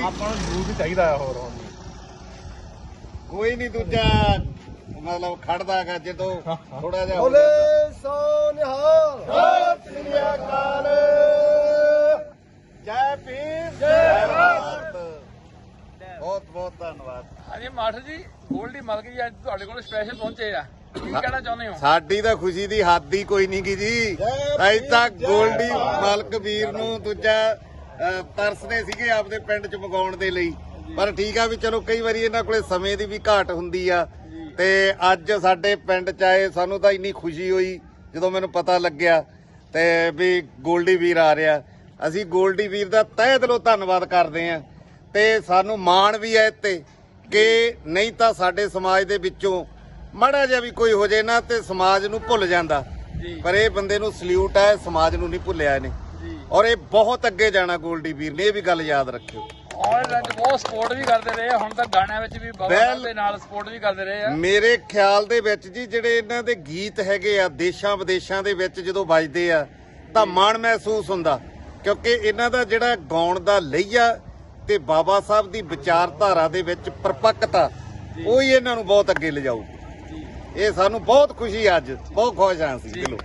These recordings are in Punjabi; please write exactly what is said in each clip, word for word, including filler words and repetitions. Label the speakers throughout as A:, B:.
A: ਆਪਾਂ ਨੂੰ ਜ਼ਰੂਰ ਵੀ ਚਾਹੀਦਾ ਆ ਹੋਰ ਹੁਣ
B: ਕੋਈ ਨਹੀਂ ਦੂਜਾ ਮਤਲਬ ਖੜਦਾ ਗਾ ਜਦੋਂ ਥੋੜਾ ਜਿਹਾ
C: ਬੋਲੇ ਸੋ ਨਿਹਾਲ
B: ਸਤਿ ਸ੍ਰੀ ਅਕਾਲ ਜੈ ਭੀਮ ਜੈ ਭਾਰਤ ਬਹੁਤ ਬਹੁਤ ਧੰਨਵਾਦ।
D: ਹਾਂਜੀ ਮਾਸਟਰ ਜੀ ਗੋਲਡੀ ਮਲਕ ਜੀ ਅੱਜ ਤੁਹਾਡੇ ਕੋਲ ਸਪੈਸ਼ਲ ਪਹੁੰਚੇ ਆ ਕੀ ਕਹਿਣਾ ਚਾਹੁੰਦੇ ਹੋ?
B: ਸਾਡੀ ਤਾਂ ਖੁਸ਼ੀ ਦੀ ਹੱਦ ਹੀ ਕੋਈ ਨਹੀਂ ਗੀ ਜੀ। ਅਜੇ ਤੱਕ ਗੋਲਡੀ ਮਲਕ ਵੀਰ ਨੂੰ ਦੂਜਾ ਅਹ, ਤਰਸਦੇ ਸੀਗੇ ਆਪਦੇ ਪਿੰਡ ਚ ਮੰਗਾਉਣ ਦੇ ਲਈ, ਪਰ ਠੀਕ ਆ ਵੀ ਚਲੋ ਕਈ ਵਾਰੀ ਇਹਨਾਂ ਕੋਲੇ ਸਮੇਂ ਦੀ ਵੀ ਘਾਟ ਹੁੰਦੀ ਆ ਤੇ ਅੱਜ ਸਾਡੇ ਪਿੰਡ ਚ ਆਏ। ਸਾਨੂੰ ਤਾਂ ਇੰਨੀ ਖੁਸ਼ੀ ਹੋਈ ਜਦੋਂ ਮੈਨੂੰ ਪਤਾ ਲੱਗਿਆ ਤੇ ਵੀ ਗੋਲਡੀ ਵੀਰ ਆ ਰਿਹਾ। ਅਸੀਂ ਗੋਲਡੀ ਵੀਰ ਦਾ ਤਹਿ ਦਿਲੋਂ ਧੰਨਵਾਦ ਕਰਦੇ ਆਂ ਤੇ ਸਾਨੂੰ ਮਾਣ ਵੀ ਹੈ ਤੇ ਕਿ ਨਹੀਂ ਤਾਂ ਸਾਡੇ ਸਮਾਜ ਦੇ ਵਿੱਚੋਂ ਮਾੜਾ ਜਿਹਾ ਵੀ ਕੋਈ ਹੋ ਜੇ ਨਾ ਤੇ ਸਮਾਜ ਨੂੰ ਭੁੱਲ ਜਾਂਦਾ, ਪਰ ਇਹ ਬੰਦੇ ਨੂੰ ਸਲੂਟ ਹੈ, ਸਮਾਜ ਨੂੰ ਨਹੀਂ ਭੁੱਲਿਆ ਇਹਨੇ ਔਰ ਇਹ ਬਹੁਤ ਅੱਗੇ ਜਾਣਾ ਗੋਲਡੀ ਵੀਰ ਨੇ, ਇਹ ਵੀ ਗੱਲ ਯਾਦ ਰੱਖਿਓ।
D: ਔਰ ਬਹੁਤ ਸਪੋਰਟ ਵੀ ਕਰਦੇ ਰਹੇ ਆ, ਹੁਣ ਤਾਂ ਗਾਣਿਆਂ ਵਿੱਚ ਵੀ ਬਾਬਾ ਸਾਹਿਬ ਦੇ ਨਾਲ ਸਪੋਰਟ ਵੀ ਕਰਦੇ ਰਹੇ ਆ।
B: ਮੇਰੇ ਖਿਆਲ ਦੇ ਵਿੱਚ ਜੀ ਜਿਹੜੇ ਇਹਨਾਂ ਦੇ ਗੀਤ ਹੈਗੇ ਆ ਦੇਸ਼ਾਂ ਵਿਦੇਸ਼ਾਂ ਦੇ ਵਿੱਚ ਜਦੋਂ ਵੱਜਦੇ ਆ ਤਾਂ ਮਾਣ ਮਹਿਸੂਸ ਹੁੰਦਾ, ਕਿਉਂਕਿ ਇਹਨਾਂ ਦਾ ਜਿਹੜਾ ਗਾਉਣ ਦਾ ਲਹਿਆ ਤੇ ਬਾਬਾ ਸਾਹਿਬ ਦੀ ਵਿਚਾਰਧਾਰਾ ਦੇ ਵਿੱਚ ਪਰਪੱਕਤਾ ਉਹ ਹੀ ਇਹਨਾਂ ਨੂੰ ਬਹੁਤ ਅੱਗੇ ਲਿਜਾਊ। ਇਹ ਸਾਨੂੰ ਬਹੁਤ ਖੁਸ਼ੀ ਅੱਜ, ਬਹੁਤ ਖੁਸ਼ ਹਾਂ ਅਸੀਂ ਦਿਲੋਂ।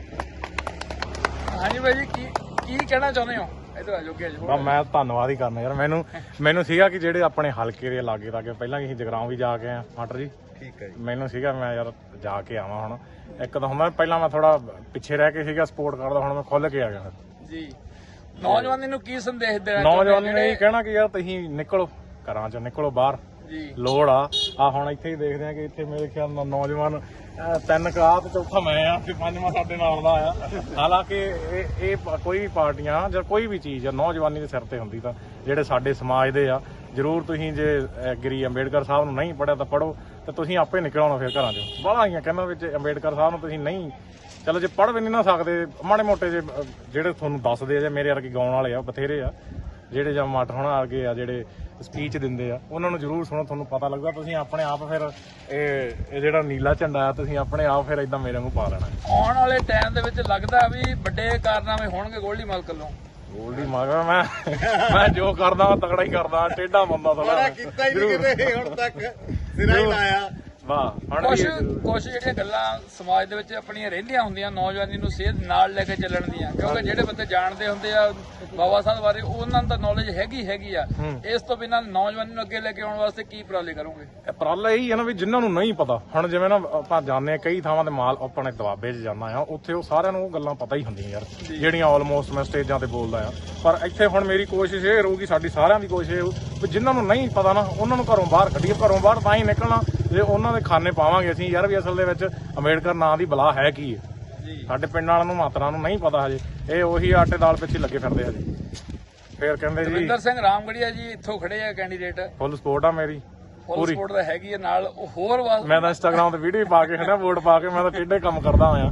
D: ਹਾਂਜੀ ਬਾਈ ਜੀ ਕੀ ਕੀ ਕਹਿਣਾ ਚਾਹੁੰਦੇ ਹੋ? ਇਧਰ ਆ ਜੋਗੇ
A: ਬਾ ਮੈਂ ਧੰਨਵਾਦ ਹੀ ਕਰਨਾ ਯਾਰ। ਮੈਨੂੰ ਮੈਨੂੰ ਸੀਗਾ ਕਿ ਜਿਹੜੇ ਆਪਣੇ ਹਲਕੇ ਦੇ ਲਾਗੇ ਲਾਗੇ ਪਹਿਲਾਂ ਅਸੀਂ ਜਗਰਾਉਂ ਵੀ ਜਾ ਕੇ ਆ ਮਾਸਟਰ ਜੀ।
B: ਠੀਕ ਹੈ ਜੀ।
A: ਮੈਨੂੰ ਸੀਗਾ ਮੈਂ ਯਾਰ ਜਾ ਕੇ ਆਵਾਂ ਹੁਣ। ਇੱਕ ਤਾਂ ਹੁੰਦਾ ਪਹਿਲਾਂ ਮੈਂ ਥੋੜਾ ਪਿੱਛੇ ਰਹਿ ਕੇ ਸੀਗਾ ਸਪੋਰਟ ਕਰਦਾ, ਹੁਣ ਮੈਂ ਖੁੱਲ ਕੇ ਆ ਗਿਆ
D: ਜੀ। ਨੌਜਵਾਨੀ ਨੂੰ ਕੀ ਸੰਦੇਸ਼ ਦੇਣਾ?
A: ਨੌਜਵਾਨੀ ਨੂੰ ਇਹ ਕਹਿਣਾ ਕਿ ਯਾਰ ਤੁਸੀਂ ਨਿਕਲੋ ਘਰਾਂ ਚੋਂ, ਨਿਕਲੋ ਬਾਹਰ, ਲੋੜ ਆ। ਆ ਹੁਣ ਇੱਥੇ ਹੀ ਦੇਖਦੇ ਆ ਕਿ ਇੱਥੇ ਮੇਰੇ ਖਿਆਲ ਨਾਲ ਨੌਜਵਾਨ ਤਿੰਨ ਕਾ ਤੇ ਚੌਥਾ ਮੈਂ ਆ ਤੇ ਪੰਜਵਾਂ ਸਾਡੇ ਨਾਲ ਦਾ ਆ। ਹਾਲਾਂਕਿ ਇਹ ਇਹ ਕੋਈ ਵੀ ਪਾਰਟੀਆਂ ਜਾਂ ਕੋਈ ਵੀ ਚੀਜ਼ ਆ ਨੌਜਵਾਨੀ ਦੇ ਸਿਰ ਤੇ ਹੁੰਦੀ ਤਾਂ ਜਿਹੜੇ ਸਾਡੇ ਸਮਾਜ ਦੇ ਆ ਜ਼ਰੂਰ ਤੁਸੀਂ ਜੇ ਐਗਰੀ ਅੰਬੇਡਕਰ ਸਾਹਿਬ ਨੂੰ ਨਹੀਂ ਪੜ੍ਹਿਆ ਤਾਂ ਪੜ੍ਹੋ ਤੇ ਤੁਸੀਂ ਆਪੇ ਨਿਕਲ ਆਉਣਾ ਫਿਰ ਘਰਾਂ ਚੋਂ। ਬਾਹਲਾ ਆਈਆਂ ਕਹਿੰਦਾ ਵਿੱਚ ਅੰਬੇਡਕਰ ਸਾਹਿਬ ਨੂੰ ਤੁਸੀਂ ਨਹੀਂ, ਚਲੋ ਜੇ ਪੜ੍ਹ ਵੀ ਨਹੀਂ ਨਾ ਸਕਦੇ ਮਾੜੇ ਮੋਟੇ ਜੇ ਜਿਹੜੇ ਤੁਹਾਨੂੰ ਦੱਸਦੇ ਆ ਜਾਂ ਮੇਰੇ ਵਰਗੇ ਗਾਉਣ ਵਾਲੇ ਆ ਬਥੇਰੇ ਆ ਜਿਹੜੇ ਜਾਂ ਮਾਟਰ ਹੋਣਾ ਵਰਗੇ ਆ ਜਿਹੜੇ ਸਪੀਚ ਦਿੰਦੇ ਆ, ਉਹਨਾਂ ਨੂੰ ਜ਼ਰੂਰ ਸੁਣੋ, ਤੁਹਾਨੂੰ ਪਤਾ ਲੱਗਦਾ। ਤੁਸੀਂ ਆਪਣੇ ਆਪ ਫਿਰ ਇਹ ਇਹ ਜਿਹੜਾ ਨੀਲਾ ਝੰਡਾ ਆ ਤੁਸੀਂ ਆਪਣੇ ਆਪ ਫਿਰ ਇਦਾਂ ਮੇਰੇ ਵਾਂਗੂ ਪਾ ਲੈਣਾ।
D: ਆਉਣ ਵਾਲੇ ਟਾਈਮ ਦੇ ਵਿੱਚ ਲੱਗਦਾ ਵੀ ਵੱਡੇ ਕਾਰਨਾਮੇ ਹੋਣਗੇ ਗੋਲਡੀ ਮਲਕ ਵੱਲੋਂ।
A: ਗੋਲਡੀ ਮਗਰ ਮੈਂ ਮੈਂ ਜੋ ਕਰਦਾ ਤਗੜਾ ਹੀ ਕਰਦਾ, ਟੇਢਾ ਬੰਦਾ ਥੋੜਾ
B: ਕੀਤਾ ਹੀ ਨਹੀਂ ਕਿਤੇ ਹੁਣ ਤੱਕ, ਸਿਰਾ ਹੀ ਲਾਇਆ।
A: ਵਾਹ
D: ਕੁਛ ਕੁਛ ਜਿਹੜੀਆਂ ਗੱਲਾਂ ਸਮਾਜ ਦੇ ਵਿੱਚ ਆਪਣੀਆਂ ਰਹਿੰਦੀਆਂ ਹੁੰਦੀਆਂ ਨੌਜਵਾਨੀ ਨੂੰ ਸੇਧ ਨਾਲ ਲੈ ਕੇ ਚੱਲਣ ਦੀਆਂ, ਕਿਉਂਕਿ ਜਿਹੜੇ ਬੰਦੇ ਜਾਣਦੇ ਹੁੰਦੇ ਆ ਬਾਬਾ ਸਾਹਿਬ ਬਾਰੇ ਉਹਨਾਂ ਨੂੰ ਤਾਂ ਨੌਲੇਜ ਹੈਗੀ ਹੈਗੀ ਆ। ਇਸ ਤੋਂ ਬਿਨਾਂ ਨੌਜਵਾਨੀ ਨੂੰ ਅੱਗੇ ਲੈ ਕੇ ਆਉਣ ਵਾਸਤੇ ਕੀ ਉਪਰਾਲੇ ਕਰੋਗੇ?
A: ਉਪਰਾਲਾ ਇਹੀ ਹੈ ਨਾ ਵੀ ਜਿਨ੍ਹਾਂ ਨੂੰ ਨਹੀਂ ਪਤਾ, ਹੁਣ ਜਿਵੇਂ ਨਾ ਆਪਾਂ ਜਾਂਦੇ ਆ ਕਈ ਥਾਵਾਂ ਤੇ ਮਾਲ ਆਪਣੇ ਦਬਾਬੇ 'ਚ ਜਾਂਦਾ ਆ, ਉੱਥੇ ਉਹ ਸਾਰਿਆਂ ਨੂੰ ਉਹ ਗੱਲਾਂ ਪਤਾ ਹੀ ਹੁੰਦੀਆਂ ਯਾਰ ਜਿਹੜੀਆਂ ਆਲਮੋਸਟ ਮੈਂ ਸਟੇਜਾਂ ਤੇ ਬੋਲਦਾ ਆ। ਪਰ ਇੱਥੇ ਹੁਣ ਮੇਰੀ ਕੋਸ਼ਿਸ਼ ਇਹ ਰਹੂਗੀ, ਸਾਡੀ ਸਾਰਿਆਂ ਦੀ ਕੋਸ਼ਿਸ਼ ਇਹ ਵੀ ਜਿਨ੍ਹਾਂ ਨੂੰ ਨਹੀਂ ਪਤਾ ਨਾ ਉਹਨਾਂ ਨੂੰ ਘਰੋਂ ਬਾਹਰ ਕੱਢੀਏ। ਘਰੋਂ ਬਾਹਰ ਤਾਂ ਹੀ ਨਿਕਲਣਾ ਜੇ ਉਹਨਾਂ ਦੇ ਖਾਨੇ ਪਾਵਾਂਗੇ ਅਸੀਂ ਯਾਰ ਵੀ ਅਸਲ ਦੇ ਵਿੱਚ ਅੰਬੇਡਕਰ ਨਾਂ ਦੀ ਬਲਾ ਹੈ ਕੀ ਹੈ। ਸਾਡੇ ਪਿੰਡ ਵਾਲਿਆਂ ਨੂੰ ਮਾਤਰਾ ਨੂੰ ਨਹੀਂ ਪਤਾ ਹਜੇ, ਇਹ ਉਹੀ ਆਟੇ ਦਾਲ ਪਿੱਛੇ ਲੱਗੇ ਫਿਰਦੇ ਹਜੇ। ਫੇਰ ਕਹਿੰਦੇ ਜੀ
D: ਦਵਿੰਦਰ ਸਿੰਘ ਰਾਮਗੜੀਆ ਜੀ ਇੱਥੋਂ ਖੜੇ ਆ ਕੈਂਡੀਡੇਟ,
A: ਫੁੱਲ ਸਪੋਰਟ ਆ ਮੇਰੀ
D: ਫੁੱਲ ਸਪੋਰਟ ਤਾਂ ਹੈਗੀ ਆ ਨਾਲ। ਉਹ ਹੋਰ
A: ਮੈਂ ਤਾਂ ਇੰਸਟਾਗ੍ਰਾਮ ਤੇ ਵੀਡੀਓ ਪਾ ਕੇ ਖੜਾ, ਵੋਟ ਪਾ ਕੇ ਮੈਂ ਤਾਂ ਟੇਢੇ ਕੰਮ ਕਰਦਾ ਹੋਇਆ।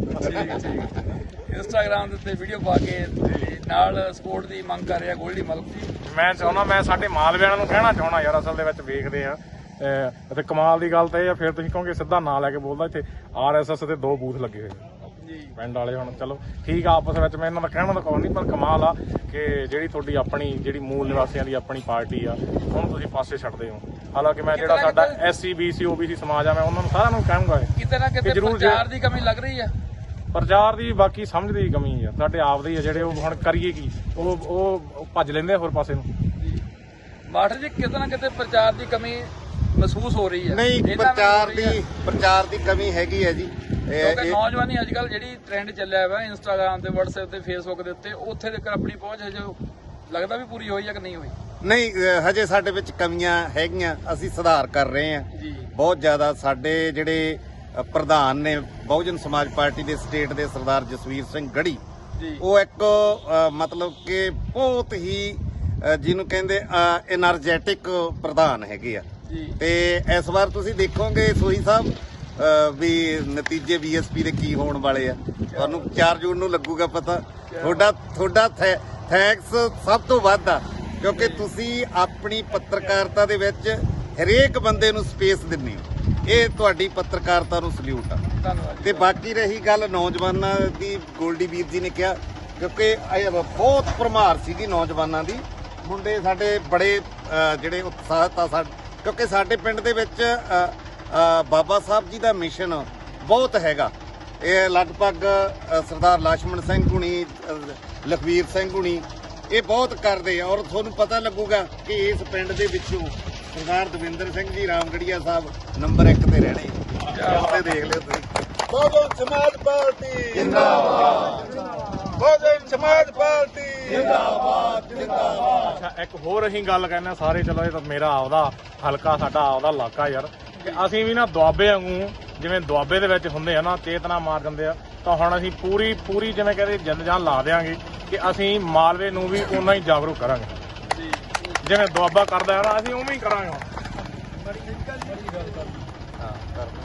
D: ਇੰਸਟਾਗ੍ਰਾਮ ਦੇ ਉੱਤੇ ਵੀਡੀਓ ਪਾ ਕੇ ਨਾਲ ਸਪੋਰਟ ਦੀ ਮੰਗ ਕਰ ਰਿਹਾ ਗੋਲਡੀ ਮਲਕ ਜੀ।
A: ਮੈਂ ਚਾਹੁੰਦਾ, ਮੈਂ ਸਾਡੇ ਮਾਲਵਿਆਂ ਨੂੰ ਕਹਿਣਾ ਚਾਹੁੰਦਾ ਯਾਰ ਅਸਲ ਦੇ ਵਿੱਚ ਵੇਖਦੇ ਆ ਅਤੇ ਕਮਾਲ ਦੀ ਗੱਲ ਤਾਂ ਇਹ ਆ, ਫਿਰ ਤੁਸੀਂ ਕਹੋਗੇ ਸਿੱਧਾ ਨਾਂ ਲੈ ਕੇ ਬੋਲਦਾ, ਇੱਥੇ ਆਰ ਐਸ ਐਸ ਦੇ ਦੋ ਬੂਥ ਲੱਗੇ ਹੋਏ ਪਿੰਡ ਵਾਲੇ। ਹੁਣ ਚਲੋ ਠੀਕ ਆ, ਆਪਸ ਵਿੱਚ ਮੈਂ ਇਹਨਾਂ ਦਾ ਕਹਿਣਾ ਤਾਂ ਕੋਈ ਨਹੀਂ, ਪਰ ਕਮਾਲ ਆ ਕਿ ਜਿਹੜੀ ਤੁਹਾਡੀ ਆਪਣੀ ਜਿਹੜੀ ਮੂਲ ਨਿਵਾਸੀਆਂ ਦੀ ਆਪਣੀ ਪਾਰਟੀ ਆ ਉਹਨੂੰ ਤੁਸੀਂ ਪਾਸੇ ਛੱਡਦੇ ਹੋ। ਹਾਲਾਂਕਿ ਮੈਂ ਜਿਹੜਾ ਸਾਡਾ S C B C O B C ਸਮਾਜ ਆ, ਮੈਂ ਉਹਨਾਂ ਨੂੰ ਸਾਰਿਆਂ ਨੂੰ ਕਹਾਂਗਾ
D: ਕਿਤੇ ਨਾ ਕਿਤੇ ਪ੍ਰਚਾਰ ਦੀ ਕਮੀ ਲੱਗ ਰਹੀ ਆ।
A: ਪ੍ਰਚਾਰ ਦੀ ਬਾਕੀ ਸਮਝ ਦੀ ਕਮੀ ਆ, ਸਾਡੇ ਆਪ ਦੇ ਹੀ ਆ ਜਿਹੜੇ, ਉਹ ਹੁਣ ਕਰੀਏ ਕੀ, ਉਹ ਉਹ ਭੱਜ ਲੈਂਦੇ ਹੋਰ ਪਾਸੇ ਨੂੰ।
D: ਮਾਸਟਰ ਜੀ ਕਿਤੇ ਨਾ ਕਿਤੇ ਪ੍ਰਚਾਰ ਦੀ ਕਮੀ ਮਹਿਸੂਸ ਹੋ ਰਹੀ ਹੈ।
B: ਨਹੀਂ, ਪ੍ਰਚਾਰ ਦੀ ਪ੍ਰਚਾਰ ਦੀ ਕਮੀ ਹੈਗੀ ਹੈ ਜੀ।
D: ਕਿਉਂਕਿ ਨੌਜਵਾਨੀ ਅੱਜ ਕੱਲ ਜਿਹੜੀ ਟ੍ਰੈਂਡ ਚੱਲਿਆ ਵਾ ਇੰਸਟਾਗ੍ਰਾਮ ਤੇ WhatsApp ਤੇ Facebook ਦੇ ਉੱਤੇ, ਉੱਥੇ ਤੱਕ ਆਪਣੀ ਪਹੁੰਚ ਹਜੇ ਲੱਗਦਾ ਵੀ ਪੂਰੀ ਹੋਈ ਜਾਂ ਕਿ ਨਹੀਂ ਹੋਈ?
B: ਨਹੀਂ, ਹਜੇ ਸਾਡੇ ਵਿੱਚ ਕਮੀਆਂ ਹੈਗੀਆਂ, ਅਸੀਂ ਸੁਧਾਰ ਕਰ ਰਹੇ ਹਾਂ
D: ਜੀ
B: ਬਹੁਤ ਜ਼ਿਆਦਾ। ਸਾਡੇ ਜਿਹੜੇ ਪ੍ਰਧਾਨ ਨੇ ਬਹੁਜਨ ਸਮਾਜ ਪਾਰਟੀ ਦੇ ਸਟੇਟ ਦੇ ਸਰਦਾਰ ਜਸਵੀਰ ਸਿੰਘ ਗੜੀ, ਉਹ ਇੱਕ ਮਤਲਬ ਕਿ ਬਹੁਤ ਹੀ ਜਿਹਨੂੰ ਕਹਿੰਦੇ ਐਨਰਜੈਟਿਕ ਪ੍ਰਧਾਨ ਹੈਗੇ ਆ। ਤੇ ਇਸ ਵਾਰ ਤੁਸੀਂ ਦੇਖੋਗੇ ਸੋਹੀ ਸਾਹਿਬ ਵੀ ਨਤੀਜੇ ਬੀ ਐਸ ਪੀ ਦੇ ਕੀ ਹੋਣ ਵਾਲੇ ਆ, ਤੁਹਾਨੂੰ ਚਾਰ ਜੂਨ ਨੂੰ ਲੱਗੂਗਾ ਪਤਾ। ਤੁਹਾਡਾ ਤੁਹਾਡਾ ਥੈਂਕਸ ਸਭ ਤੋਂ ਵੱਧ ਆ, ਕਿਉਂਕਿ ਤੁਸੀਂ ਆਪਣੀ ਪੱਤਰਕਾਰਤਾ ਦੇ ਵਿੱਚ ਹਰੇਕ ਬੰਦੇ ਨੂੰ ਸਪੇਸ ਦਿੰਦੇ ਹੋ, ਇਹ ਤੁਹਾਡੀ ਪੱਤਰਕਾਰਤਾ ਨੂੰ ਸਲੂਟ ਆ। ਤੇ ਬਾਕੀ ਰਹੀ ਗੱਲ ਨੌਜਵਾਨਾਂ ਦੀ, ਗੋਲਡੀ ਵੀਰ ਜੀ ਨੇ ਕਿਹਾ, ਕਿਉਂਕਿ ਬਹੁਤ ਭਰਮਾਰ ਸੀਗੀ ਨੌਜਵਾਨਾਂ ਦੀ। ਮੁੰਡੇ ਸਾਡੇ ਬੜੇ ਅ, ਜਿਹੜੇ ਉਤਸ਼ਾਹਤ ਆ ਸਾ ਕਿਉਂਕਿ ਸਾਡੇ ਪਿੰਡ ਦੇ ਵਿੱਚ ਅ, ਅ, ਬਾਬਾ ਸਾਹਿਬ ਜੀ ਦਾ ਮਿਸ਼ਨ ਬਹੁਤ ਹੈਗਾ। ਇਹ ਲਗਭਗ ਅ, ਸਰਦਾਰ ਲਛਮਣ ਸਿੰਘ ਹੁਣੀ, ਅ, ਲਖਵੀਰ ਸਿੰਘ ਹੁਣੀ ਇਹ ਬਹੁਤ ਕਰਦੇ ਆ। ਔਰ ਤੁਹਾਨੂੰ ਪਤਾ ਲੱਗੂਗਾ ਕਿ ਇਸ ਪਿੰਡ ਦੇ ਵਿੱਚੋਂ ਸਰਦਾਰ ਦਵਿੰਦਰ ਸਿੰਘ ਜੀ ਰਾਮਗੜੀਆ ਸਾਹਿਬ ਨੰਬਰ ਇੱਕ ਤੇ ਰਹਿਣੇ। ਉੱਥੇ ਦੇਖ ਲਿਓ ਤੁਸੀਂ।
C: ਬਹੁਜਨ ਸਮਾਜ ਪਾਰਟੀ ਜਿੰਦਾਬਾਦ, ਬਹੁਜਨ ਸਮਾਜ ਪਾਰਟੀ ਜਿੰਦਾਬਾਦ ਜਿੰਦਾਬਾਦ।
A: ਅੱਛਾ, ਇੱਕ ਹੋਰ ਅਸੀਂ ਗੱਲ ਕਹਿੰਦੇ ਹਾਂ ਸਾਰੇ, ਚਲੋ ਇਹ ਤਾਂ ਮੇਰਾ ਆਪਦਾ ਹਲਕਾ, ਸਾਡਾ ਆਪਦਾ ਇਲਾਕਾ ਯਾਰ, ਕਿ ਅਸੀਂ ਵੀ ਨਾ ਦੁਆਬੇ ਵਾਂਗੂ, ਜਿਵੇਂ ਦੁਆਬੇ ਦੇ ਵਿੱਚ ਹੁੰਦੇ ਆ ਨਾ ਚੇਤਨਾ ਮਾਰ ਦਿੰਦੇ ਆ, ਤਾਂ ਹੁਣ ਅਸੀਂ ਪੂਰੀ ਪੂਰੀ ਜਿਵੇਂ ਕਹਿੰਦੇ ਜਿੰਦ ਜਾਨ ਲਾ ਦੇਵਾਂਗੇ ਕਿ ਅਸੀਂ ਮਾਲਵੇ ਨੂੰ ਵੀ ਉਨਾ ਹੀ ਜਾਗਰੂਕ ਕਰਾਂਗੇ ਜਿਵੇਂ ਦੁਆਬਾ ਕਰਦਾ ਹੈ ਨਾ, ਅਸੀਂ ਉਵੇਂ ਹੀ ਕਰਾਂਗੇ ਹੁਣ।